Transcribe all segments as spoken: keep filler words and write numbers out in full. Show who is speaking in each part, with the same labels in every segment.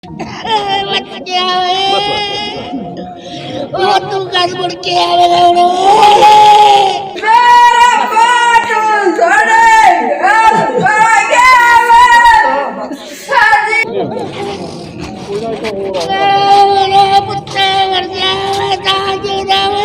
Speaker 1: बच्चा वो तू कस मुड़ के आवेगा मेरा पाटू छोड़े अब भागे साजी मेरा पुत्र मर जावे ताजे जावे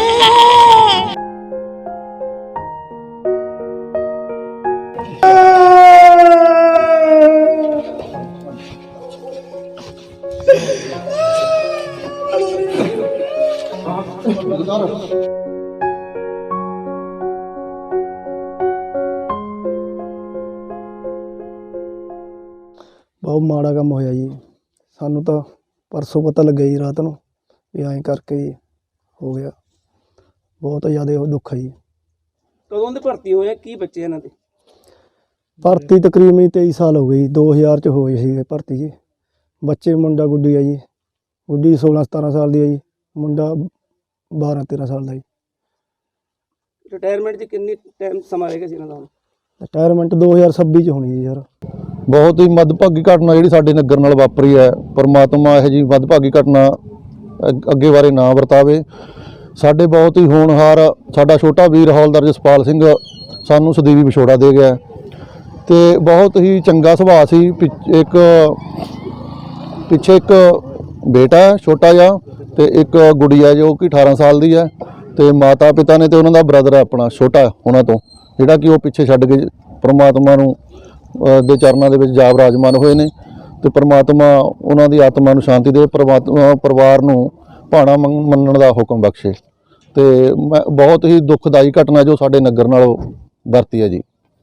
Speaker 2: बहुत माड़ा काम होया जी। सानू तो परसों पता लगे जी रात नूं भी ऐं करके जी हो गया। बहुत ज़्यादा दुख है जी।
Speaker 3: कदों दे भर्ती होए की बच्चे इन्हां दे?
Speaker 2: भर्ती तकरीबन तेईस साल हो गई। दो हज़ार च होए सी भर्ती जी। बच्चे मुंडा गुड्डी है जी। गुड्डी सोलह सतारह साल की है जी। मुंडा बारह तेरह साल का जी।
Speaker 3: रिटायरमेंट च किन्नी टाइम समा रहेगा इन्हां दा?
Speaker 2: रिटायरमेंट दो हज़ार छब्बी च होनी जी सर।
Speaker 4: बहुत ही मदभागी घटना जी साडे नगर नाल वापरी है। परमात्मा यह जी मदभागी घटना अगे बारे ना वरतावे। साडे बहुत ही होनहार साडा छोटा वीर हौलदार जसपाल सिंह सानू सਦੀवी विछोड़ा दे गया ते बहुत ही चंगा सुभाਅ सी। एक पिछे एक बेटा है छोटा जिहा ते एक गुड़िया जो कि अठारह साल की है ते माता पिता ने ते उन्हों दा ब्रदर है अपना छोटा उन्हों तो जिहड़ा कि वो पिछे छड्ड के परमात्मा नूं दे चरनां दे विच जा विराजमान होए ने ते परमात्मा उन्हां दी आत्मा नूं शांति दे। परमात्मा परिवार नूं भाणा मनण दा हुक्म बख्शे। ते मैं बहुत ही दुखदाई घटना जो साडे नगर नाल वरती है जी।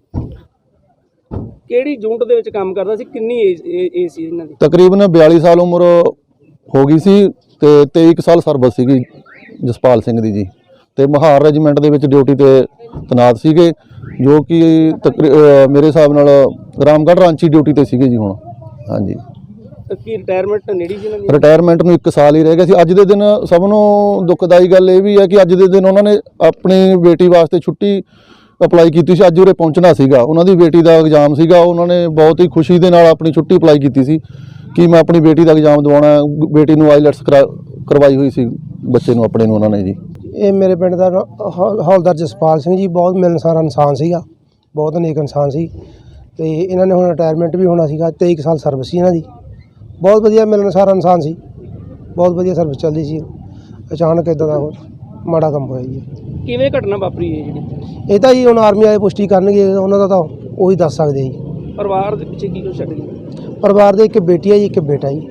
Speaker 3: किहड़ी यूनिट दे विच काम करदा सी? किन्नी एज एज सी इन्हां दी?
Speaker 4: तकरीबन बयाली साल उम्र हो गई सी ते तेईस साल सर्विस सीगी जसपाल सिंह दी जी। ते महार रेजीमेंट दे विच ड्यूटी ते तैनात सीगे जो कि तकरी मेरे हिसाब नाल रामगढ़ रांची ड्यूटी ते सीगे जी हुण। हाँ जी।
Speaker 3: की रिटायरमेंट नेड़ी सी इन्हां दी?
Speaker 4: रिटायरमेंट नूं एक साल ही रह गया सी। अज दे दिन सब नूं दुखदाई गल ये भी है कि अज दे दिन उन्होंने अपनी बेटी वास्ते छुट्टी अप्लाई की सी। अज उरे पहुंचना सीगा। उन्हां दी बेटी दा एग्जाम सीगा। उन्होंने बहुत ही खुशी दे नाल अपनी छुट्टी अप्लाई की सी कि मैं अपनी बेटी का एग्जाम दवाना। बेटी नूं आईलैट्स करा करवाई हुई सी बच्चे नूं अपने नूं उन्होंने जी।
Speaker 2: ये मेरे पिंड का हौलदार जसपाल सिंह जी बहुत मिलनसार इंसान सीगा। बहुत नेक इंसान सी ते इन्होंने हुण रिटायरमेंट भी होना सीगा। तेईस साल सर्विस सी इन्हां दी। बहुत वधिया मिलनसार इंसान सी। बहुत वधिया सर्विस चलदी सी। अचानक इदां दा माड़ा काम होया जी।
Speaker 3: किवें घटना वापरी है जी?
Speaker 2: ਇਹ ਤਾਂ ਜੀ ਹੁਣ ਆਰਮੀ ਵਾਲੇ ਪੁਸ਼ਟੀ ਕਰਨਗੇ ਉਹਨਾਂ ਦਾ ਤਾਂ ਉਹੀ ਦੱਸ ਸਕਦੇ ਜੀ।
Speaker 3: ਪਰਿਵਾਰ ਦੇ ਪਿੱਛੇ ਕੀ ਕੁਛ ਛੱਡ ਗਏ?
Speaker 2: ਪਰਿਵਾਰ ਦੇ ਇੱਕ ਬੇਟੀ ਹੈ ਜੀ ਇੱਕ ਬੇਟਾ ਜੀ।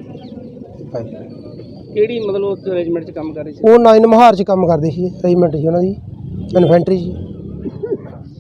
Speaker 3: ਕਿਹੜੀ ਮਤਲਬ ਰੈਜੀਮੈਂਟ 'ਚ ਕੰਮ ਕਰ ਰਹੀ ਸੀ?
Speaker 2: ਉਹ ਨਾਈਨ ਮਹਾਰ 'ਚ ਕੰਮ ਕਰਦੇ ਸੀ। ਰੈਜੀਮੈਂਟ ਸੀ ਉਹਨਾਂ ਦੀ ਇਨਫੈਂਟਰੀ 'ਚ।